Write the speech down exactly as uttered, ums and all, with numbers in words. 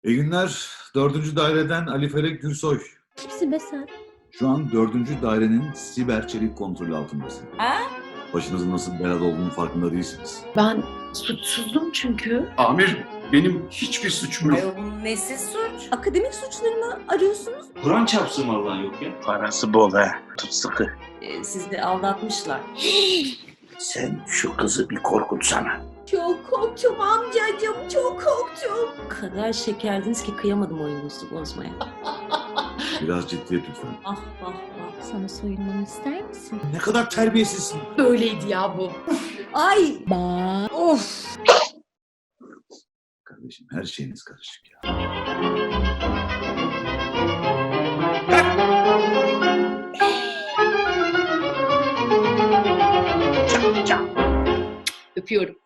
İyi günler. Dördüncü daireden Ali Felek Gürsoy. Kimsin be sen? Şu an dördüncü dairenin siber çelik kontrolü altındasın. Ha? Başınızın nasıl belada olduğunu farkında değilsiniz. Ben suçsuzdum çünkü. Amir, benim hiçbir suçum yok. Ayol bunun nesi suç? Akademik suçları mı arıyorsunuz? Kur'an çarpsın vallahi yok ya. Parası bol ha. Tut sıkı. Ee, sizi aldatmışlar. Sen şu kızı bir korkutsana. Çok korktum amcacığım, çok korktum. O kadar şekerdiniz ki kıyamadım oyununuzu bozmaya. Biraz ciddiyet lütfen. Ah ah ah. Sana soyunmamı ister misin? Ne kadar terbiyesizsin. Böyleydi ya bu. Ay! Ba. Of! Kardeşim her şeyiniz karışık ya. Öpüyorum.